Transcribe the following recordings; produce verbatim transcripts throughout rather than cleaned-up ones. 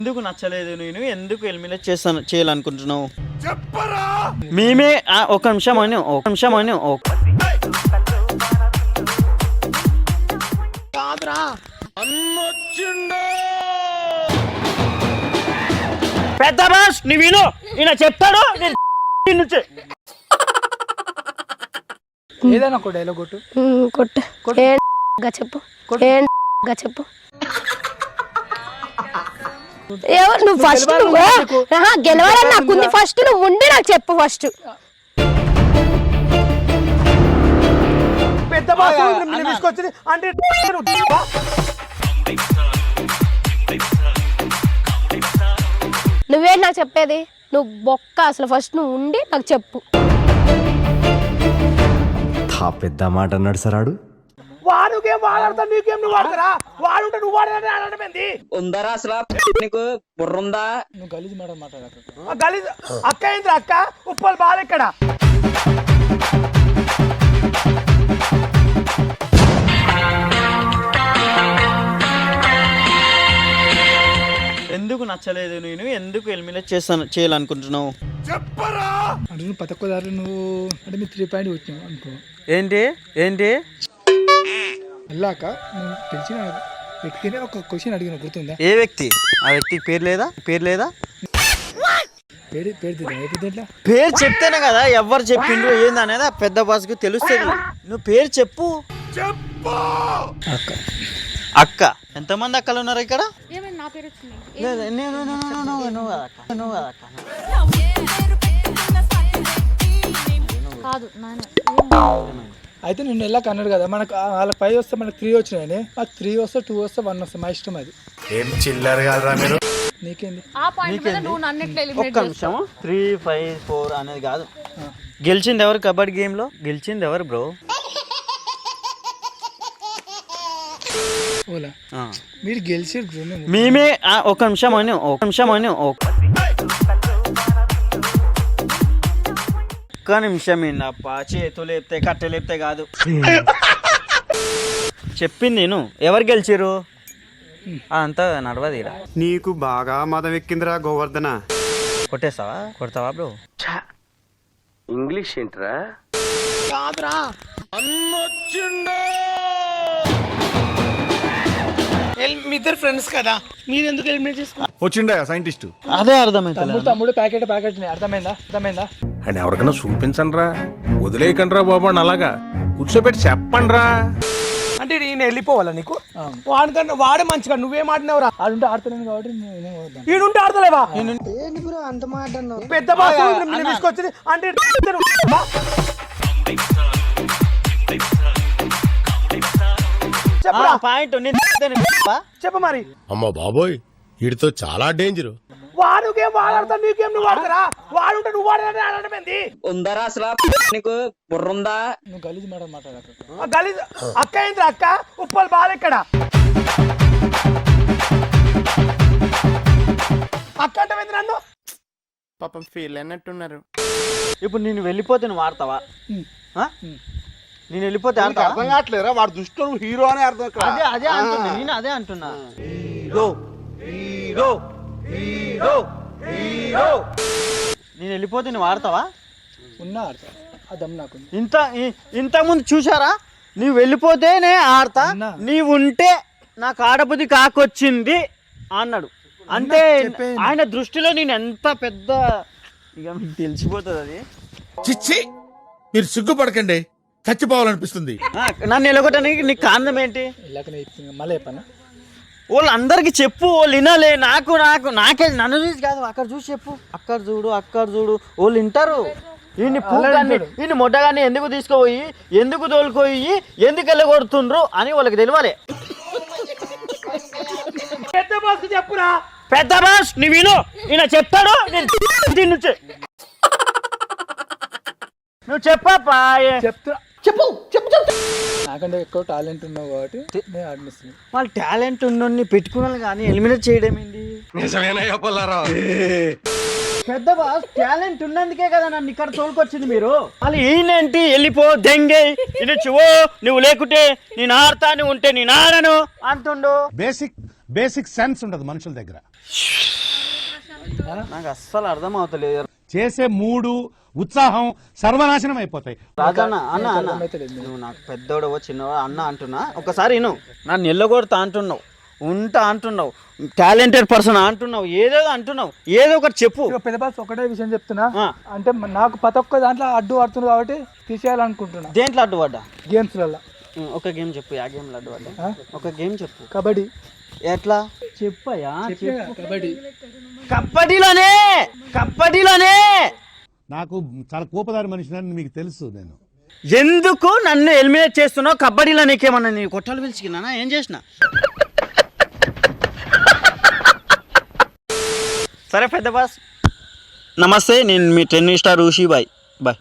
ఎందుకు నచ్చలేదు? నేను ఎందుకు ఎలిమినేట్ చేస్తాను చేయాలనుకుంటున్నావు చెప్పరా? మేమే ఒక నిమిషం అని ఒక నిమిషం అని పెద్ద బాస్ నీ విను, ఈయన చెప్తాడు నుంచి ఏదైనా ఒక డైలాగ్ కొట్టు కొట్టు చెప్పు చెప్పు ఎవరు నువ్వు ఫస్ట్ గెలవాలని నాకుంది. ఫస్ట్ నువ్వు ఉండి నాకు చెప్పు. ఫస్ట్ పెద్ద తీసుకొచ్చింది అంటే నువ్వే నాకు చెప్పేది. నువ్వు బొక్క అసలు ఫస్ట్ నువ్వు ఉండి నాకు చెప్పు. పెద్ద మాట అన్నాడు సార్ ఆడు. వాడు గేమ్ వాడతా నీకేం నువ్వు వాడతారా? వాడుంటే నువ్వు వాడని ఆడటం ఏంది? ఉందరా అసలు నీకు బుర్రుందా? నువ్వు గలీజ్ మాట మాట్లాడక. గలీజ్ అక్క ఏంద్రా అక్క? ఉప్పల్ బాల్ ఇక్కడ. ఎందుకు నచ్చలేదు? నేను ఎందుకు ఎలిమినేట్ చేస్తాను చేయాలనుకుంటున్నావు చెప్పరా? అంటే నువ్వు పతక్కదారు నువ్వు అంటే మీ త్రీ పాయింట్ వచ్చినావు అనుకో. ఏంటి ఏంటి వెళ్ళాక నువ్వు తెలిసిన వ్యక్తిని ఒక క్వశ్చన్ అడిగిన గుర్తుందా? ఏ వ్యక్తి? ఆ వ్యక్తికి పేరు లేదా? పేరు లేదా? పేరు పేరు పేరు చెప్తేనే కదా ఎవరు చెప్పిండ్రు ఏంది అనేది ఆ పెద్ద బాస్కి తెలుస్తుంది. నువ్వు పేరు చెప్పు. అక్క అక్క ఎంతమంది అక్కలు ఉన్నారు ఇక్కడ? అయితే నిన్ను వెళ్ళాక అన్నాడు కదా మనకు వాళ్ళకి ఫైవ్ వస్తే మనకు త్రీ వచ్చినాయని. మాకు త్రీ వస్తే టూ వస్తే వన్ వస్తే మా ఇష్టం. అది ఏం చిల్లర్ కాదురా మీరు. నీకేంది? ఒక్క నిమిషం. త్రీ ఫైవ్ ఫోర్ అనేది కాదు. గెలిచింది ఎవరు కబడ్డీ గేమ్ లో? గెలిచింది ఎవరు బ్రో? మీరు గెలిచి మేమే ఒక నిమిషం అని ఒక నిమిషం అని ఒక్క నిమిషం ఏంటప్ప? చేతులు లేపితే కట్టె లేపితే కాదు చెప్పింది నేను. ఎవరు గెలిచిరు అంతా నడవదిరా. నీకు బాగా మదం ఎక్కిందిరా గోవర్ధన. కొట్టేస్తావా? కొడతావా బ్రో? ఇంగ్లీష్ ఏంట్రా? కాదురా మీ ఇద్దరు ఫ్రెండ్స్ కదా, మీరు ఎందుకు ఎలిమినేట్ చేసుకున్నారు? వచ్చిండా సైంటిస్ట్? అదే అర్థమైంది. తమ్ముడు ప్యాకెట్ ప్యాకెట్ అర్థమైందా? అర్థమైందా? అండ్ ఎవరికైనా చూపించండి రా, వదిలేయకండి రా బాబు అని అలాగా కూర్చోబెట్టి చెప్పండి రా. అంటే ఈయన వెళ్ళిపోవాలా నీకు? వాడికన్నా వాడే మంచిగా నువ్వేం ఆడినావురా? ఆడుంటే ఆడతలేను కాబట్టి ఈడుంటే ఆడతలేవా? అంత మాట పెద్ద బాస్ తీసుకొచ్చింది అంటే చెప్ప మరి. అమ్మ బాబోయ్ వీడితో చాలా డేంజర్. వాడు గేమ్ వాడతా నీకేం నువ్వు వాడతారా? వాడుంటే నువ్వు వాడని ఆడటం ఏంది? ఉందరా అసలు నీకు బుర్రుందా? నువ్వు గలీజ్ మాట మాట్లాడక. గలీజ్ అక్క ఏంద్రా అక్క? ఉప్పల్ బాల్ ఇక్కడ. అక్క అంటే నన్ను పాపం ఫీల్ అన్నట్టున్నారు. ఇప్పుడు నేను వెళ్ళిపోతే నువ్వు ఆడతావా? నేను వెళ్ళిపోతే అర్థం కావట్లేరా? వాడు దుష్టు హీరో అని అర్థం. అదే అదే అంటున్నా నేను, అదే అంటున్నా. హీరో హీరో హీరో హీరో నేను వెళ్ళిపోతే నువ్వు ఆడతావా? ఉన్నా ఆడతా. అదమ్ నాకు ఇంత ఇంతకుముందు చూసారా? నువ్వు వెళ్ళిపోతేనే ఆడతా, నీవు ఉంటే నాకు ఆడబుద్ధి కాకొచ్చింది అన్నాడు. అంటే ఆయన దృష్టిలో నేను ఎంత పెద్ద ఇక మీకు తెలిసిపోతుంది అది. చిచ్చి మీరు సిగ్గుపడకండి, చచ్చిపోవాలనిపిస్తుంది. నన్ను ఎలగొట్టడానికి నీకు కారణం ఏంటి? మళ్ళీ చెప్పనా? వాళ్ళు అందరికి చెప్పు, వాళ్ళు వినాలే. నాకు నాకు నాకే నన్ను చూసి కాదు, అక్కడ చూసి చెప్పు. అక్కడ చూడు అక్కడ చూడు, వాళ్ళు వింటారు. ఈయన్ని పూగాన్ని ఈయన మొట్టగాన్ని ఎందుకు తీసుకుపోయి ఎందుకు తోలుకోయి ఎందుకు వెళ్ళగొడుతుండ్రు అని వాళ్ళకి తెలియాలి. పెద్ద బాస్ చెప్పురా. పెద్ద బాస్ నీ విను, ఈయన చెప్తాడు. నేను నుంచి నువ్వు చెప్పా చెప్తా. చెప్పు చెప్పు చెప్పు. నాకంటే ఎక్కువ టాలెంట్ ఉన్నావు కాబట్టి నేను ఆడిస్తున్నాను. వాళ్ళు టాలెంట్ ఉన్నోడిని పెట్టుకున్నాను కానీ ఎలిమినేట్ చేయడం ఏంటి? పెద్ద బాస్ టాలెంట్ ఉన్నందుకే కదా నన్ను ఇక్కడ తోలుకొచ్చింది మీరు. వాళ్ళు ఈయనేంటి వెళ్ళిపో దెంగే ఇది చువో నువ్వు లేకుంటే నేను ఆడతా, నువ్వు ఉంటే నేను ఆడను అంటుండు. బేసిక్ బేసిక్ సెన్స్ ఉండదు మనుషుల దగ్గర. నాకు అస్సలు అర్థం అవుతలేదు చేసే మూడు ఉత్సాహం సర్వనాశనం అయిపోతాయి. రాజన్న అన్న అన్న నువ్వు నాకు పెద్దోడవో చిన్నవో అన్న అంటున్నా ఒకసారి విను. నన్ను ఎల్లగొడతా అంటున్నావు, ఉంటా అంటున్నావు, టాలెంటెడ్ పర్సన్ అంటున్నావు, ఏదో అంటున్నావు, ఏదో ఒకటి చెప్పు. ఇక పెద్ద బాస్ ఒకటే విషయం చెప్తున్నా, ఆ. అంటే మ- నాకు ప్రతి ఒక్క దాంట్లో అడ్డు పడుతుంది కాబట్టి తీసేయాలనుకుంటున్నా. దేంట్లో అడ్డు పడ్డా? గేమ్స్లలో ఉం, ఒక గేమ్ చెప్పు. ఆ గేమ్లో అడ్డు పడ్డా? ఒక గేమ్ చెప్పు. కబడ్డీ. ఎట్లా చెప్పయ్యా? చెప్పినా కబడ్డీ. కబడ్డీలోనే కబడ్డీలోనే నాకు చాలా కోపదారి మనిషిని మీకు తెలుసు. నేను ఎందుకు నన్ను ఎలిమినేట్ చేస్తున్నావు? కబడ్డీలో నీకేమన్నా నీ కొట్టాలు పిలిచికినా? ఏం చేసిన? సరే పెద్ద బాస్, నమస్తే. నేను మీ tennis star Rishi. Bye bye.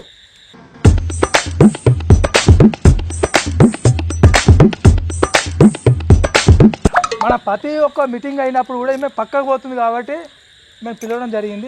మన ప్రతి ఒక్క మీటింగ్ అయినప్పుడు కూడా ఈమె పక్కకు పోతుంది కాబట్టి మేము పిలవడం జరిగింది.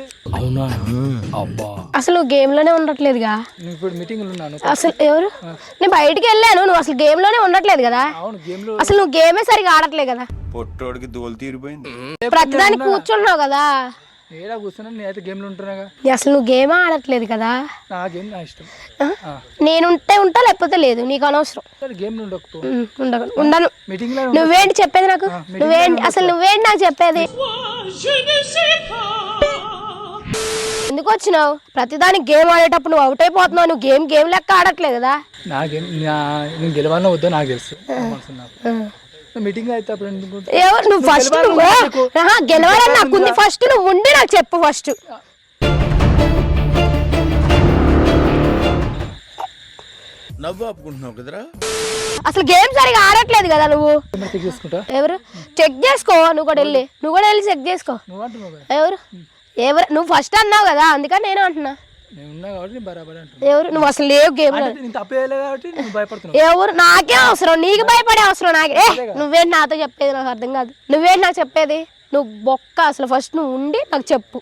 అసలు నువ్వు గేమ్ లోనే ఉండట్లేదుగా. నేను ఇప్పుడు మీటింగ్లు ఉన్నాను. అసలు ఎవరు? నేను బయటికి వెళ్ళాను, నువ్వు అసలు గేమ్ లోనే ఉండట్లేదు కదా. అవును, గేమ్ లో అసలు నువ్వు గేమే సరిగా ఆడట్లేదు కదా. పొట్టోడికి దోలు తీరిపోయింది. ప్రతిదానికి కూర్చుంటున్నావు కదా. ఏడా కూర్చున్నా, నేనైతే గేమ్లు ఉంటున్నాగా. అసలు నువ్వు గేమ్ ఆడట్లేదు కదా. నా గేమ్ నా ఇష్టం. నేనుంటే ఉంటా, లేకపోతే లేదు, నీకు అనవసరం. గేమ్లు ఉండకపో ఉమ్, ఉండను ఉండను. మీటింగ్ లో నువ్వేంటి చెప్పేది నాకు? నువ్వేంటి అసలు నువ్వేంటి నాకు చెప్పేది? ఎందుకు వచ్చినావు? ప్రతిదానికి గేమ్ ఆడేటప్పుడు నువ్వు అవుట్ అయిపోతున్నావు. నువ్వు గేమ్ గేమ్ లెక్క ఆడట్లేదు కదా. నా గేమ్ నేను గెలవాలన్నా వద్దో నాకు తెలుసు. మీటింగ్ అయితే అప్పుడు ఎందుకు ఎవరు నువ్వు? ఫస్ట్ నువ్వు ఆహా, గెలవాలని నాకుంది. ఫస్ట్ నువ్వు ఉండి నాకు చెప్పు. ఫస్ట్ నవ్వు ఆపుకుంటున్నావు కదరా. అసలు గేమ్ సరిగా ఆడట్లేదు కదా నువ్వు. చెక్ చేసుకుంటా. ఎవరు? చెక్ చేసుకో. నువ్వు కూడా వెళ్ళి నువ్వు కూడా వెళ్ళి చెక్ చేసుకో. నువ్వు అంటున్నావు కదా. ఎవరు? ఎవరు? నువ్వు ఫస్ట్ అన్నావు కదా, అందుకని నేను అంటున్నా. నేను ఉన్నా కాబట్టి నేను బరాబర్ అంటున్నా. ఎవరు? నువ్వు అసలు లేవు గేమ్ లో. నేను తప్పేయలే కాబట్టి నువ్వు భయపడుతున్నావు. ఎవరు? నాకే అవసరం, నీకు భయపడే అవసరం నాకే. ఏ నువ్వేంటి నాతో చెప్పేది? నాకు అర్థం కాదు. నువ్వేంటి నాకు చెప్పేది? నువ్వు బొక్క. అసలు ఫస్ట్ నువ్వు ఉండి నాకు చెప్పు.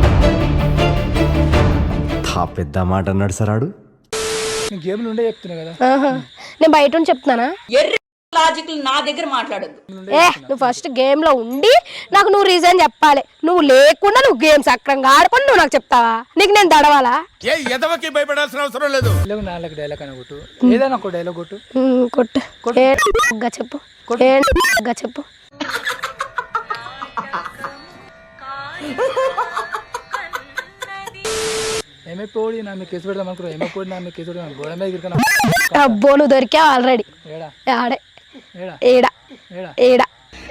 తా పెద్ద మాట అన్నాడు సార్ ఆడు. నేను గేమ్లు ఉండే చెప్తున్నా కదా. ఆహా. నేను బయట ఉండి చెప్తున్నానా? లాజిక్ నా దగ్గర మాట్లాడద్దు. ఏ నువ్వు ఫస్ట్ గేమ్ లో ఉండి నాకు నువ్వు రీజన్ చెప్పాలి. నువ్వు లేకుండా నువ్వు గేమ్ సక్రంగా ఆడుకొని నువ్వు నాకు చెప్తావా? నీకు నేను దడవాలా? ఏ ఎదవకి భయపడాల్సిన అవసరం లేదు. డైలాగ్ నాలుగు డైలాగ్ అని కొట్టు. ఏదైనా ఒక డైలాగ్ కొట్టు. ఉమ్, కొట్టు. ఏగా చెప్పు. ఏగా చెప్పు. ఏమైపోయి నా మీద కేసు పెడదాం అనుకున్నావు. ఏమైపోయి నా మీద కేసు పెడదాం. గోడ మీద గిరికనా. అబ్బో నువ్వు దొరికావు ఆల్రెడీ. ఏడా ఆడే ఏడా ఏడా ఏడా ఏడా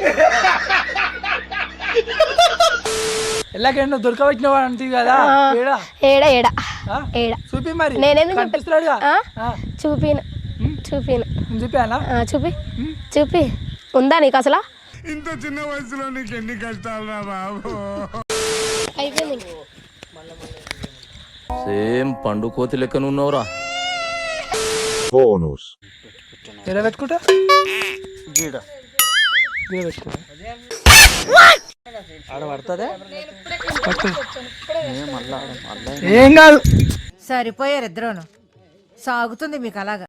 ఎలాగైనా నువ్వు దొరకవచ్చినావు అంటే కదా. ఏడా ఏడా ఏడా ఆ? ఏడా చూపి మరి. నేనేందుకు కనిపిస్తున్నాడుగా. ఆ? ఆ. చూపిను చూపిను నేను చూపానా? ఆ, చూపి చూపి. ఉందా నీకు అసలు? ఇంత చిన్న వయసులో నీకు ఎన్ని కష్టాలు రా బాబు. అయిపోయింది. సేమ్ పండు కోతి లెక్కన ఉన్నవరా. ఎలా పెట్టుకుంటా? గీడ గీడ పెట్టుకుంటా. ఆడ పడుతుందా? ఏం కాదు. సరిపోయారు ఇద్దరును. సాగుతుంది మీకు అలాగా.